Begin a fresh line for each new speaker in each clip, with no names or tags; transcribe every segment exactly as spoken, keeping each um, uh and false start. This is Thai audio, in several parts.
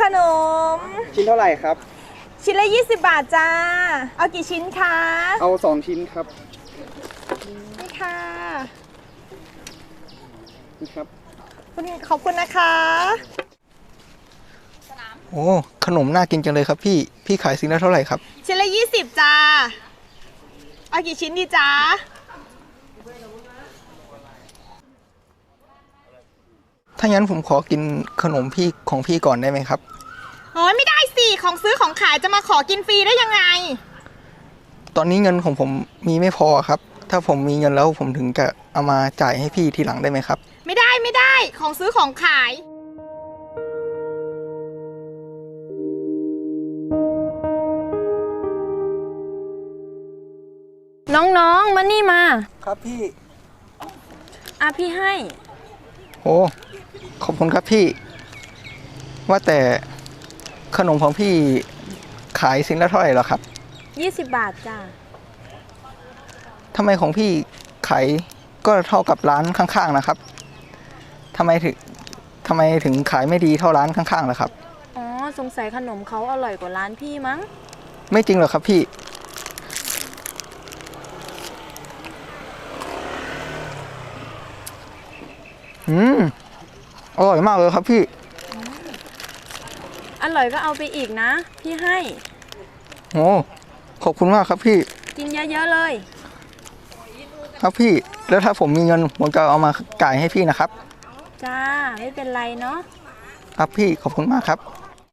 ขนม
ชิ้นเท่าไหร่ครับ
ชิ้นละยี่สิบบาทจ้าเอากี่ชิ้นคะ
เอาสองชิ้นครับ
นี่ค่ะ
นี่ครับ
ขอบคุณนะคะ
โอ้ขนมน่ากินจังเลยครับพี่พี่ขายชิ้นละเท่าไหร่ครับ
ชิ้นละยี่สิบจ้าเอากี่ชิ้นดีจ้า
ถ้างั้นผมขอกินขนมพี่ของพี่ก่อนได้ไหมครับ
โอ้ยไม่ได้สิของซื้อของขายจะมาขอกินฟรีได้ยังไง
ตอนนี้เงินของผมมีไม่พอครับถ้าผมมีเงินแล้วผมถึงจะเอามาจ่ายให้พี่ทีหลังได้ไหมครับ
ไม่ได้ไม่ได้ของซื้อของขาย
น้องๆมานี่มา
ครับพี่
อ่ะพี่ให้
โอ้ขอบคุณครับพี่ว่าแต่ขนมของพี่ขายชิ้นละเท่าไหร่หรอครับ
ยี่สิบบาทจ้า
ทำไมของพี่ขายก็เท่ากับร้านข้างๆนะครับทำไมถึงทำไมถึงขายไม่ดีเท่าร้านข้างๆล่ะครับ
อ๋อสงสัยขนมเขาอร่อยกว่าร้านพี่มั้ง
ไม่จริงหรอกครับพี่อืมอร่อยมากเลยครับพี่
อร่อยก็เอาไปอีกนะพี่ให้
โอ้ขอบคุณมากครับพี่
กินเยอะๆเลย
ครับพี่แล้วถ้าผมมีเงินผมจะเอามาจ่ายให้พี่นะครับ
จ้าไม่เป็นไรเนาะ
ครับพี่ขอบคุณมากครับ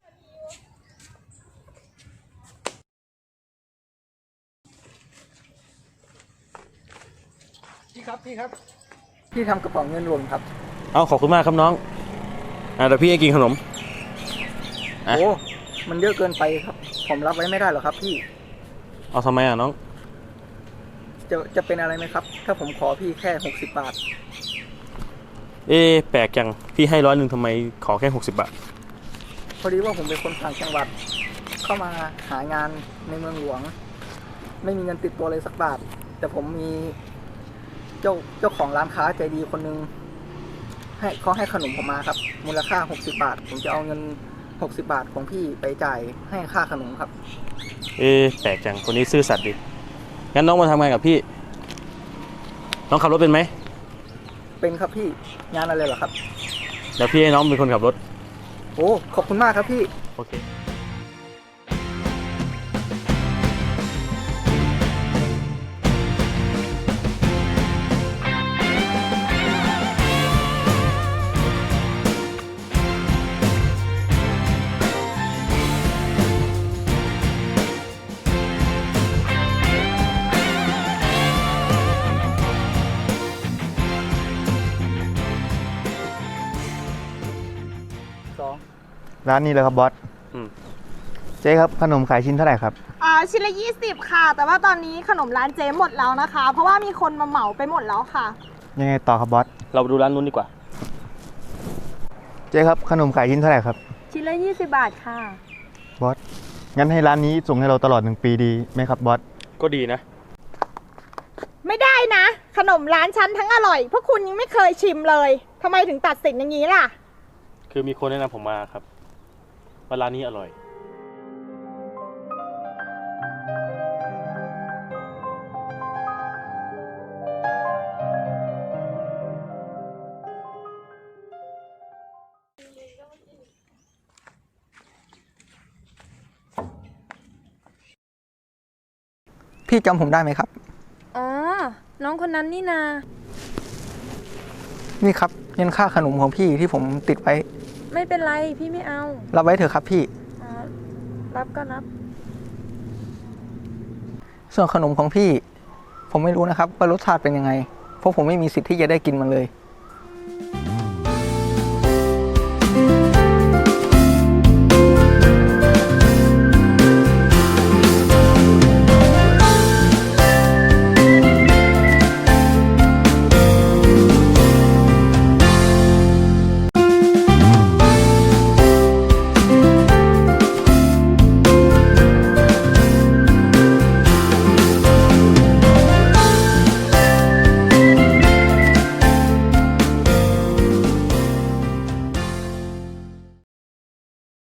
พี่ครับพี่ครับพี่ทำกระเป๋าเงินหล่นครับ
เอาขอบคุณมากครับน้องอ่าเดี๋ยวพี่ให้กินขนม
โอ้มันเยอะเกินไปครับผมรับไว้ไม่ได้หรอกครับพี่
เอาทำไมอ่ะน้อง
จะจะเป็นอะไรไหมครับถ้าผมขอพี่แค่หกสิบบาท
เอ๊ะแปลกจังพี่ให้ร้อยหนึ่งทำไมขอแค่หกสิบบาท
พอดีว่าผมเป็นคนต่างจังหวัดเข้ามาหางานในเมืองหลวงไม่มีเงินติดตัวเลยสักบาทแต่ผมมีเจ้าเจ้าของร้านค้าใจดีคนนึงให้เขาให้ขนมผมมาครับมูลค่าหกสิบบาทผมจะเอาเงินหกสิบบาทของพี่ไปจ่ายให้ค่าขนมครับ
เอ๊ะแปลกจังคนนี้ซื่อสัตย์ดิงั้นน้องมาทำงานกับพี่น้องขับรถเป็นไหม
เป็นครับพี่งานอะไรเหรอครับ
เดี๋ยวพี่ให้น้องเป็นคนขับรถ
โอ้ขอบคุณมากครับพี่
โอเค
ร้านนี้เลยครับบอสเจ๊ครับขนมขายชิ้นเท่าไหร่ครับ
อ่าชิ้นละยี่สิบค่ะแต่ว่าตอนนี้ขนมร้านเจ๊หมดแล้วนะคะเพราะว่ามีคนมาเหมาไปหมดแล้วค่ะ
ยังไงต่อครับบอส
เราไปดูร้านนู้นดีกว่า
เจ๊ครับขนมขายชิ้นเท่าไหร่ครับ
ชิ้นละยี่สิบบาทค่ะ
บอสงั้นให้ร้านนี้ส่งให้เราตลอดหนึ่งปีดีไหมครับบอส
ก็ดีนะ
ไม่ได้นะขนมร้านฉันทั้งอร่อยพวกคุณยังไม่เคยชิมเลยทำไมถึงตัดสินอย่างนี้ล่ะ
คือมีคนแนะนำผมมาครับว่าร้านนี้อร่อย
พี่จำผมได้ไหมครับ
อ๋อน้องคนนั้นนี่นา
นี่ครับเงินค่าขนมของพี่ที่ผมติดไว้
ไม่เป็นไรพี่ไม่เอา
รับไว้เถอะครับพี่
อ๋อรับก็รับ
ส่วนขนมของพี่ผมไม่รู้นะครับว่ารสชาติเป็นยังไงเพราะผมไม่มีสิทธิ์ที่จะได้กินมันเลย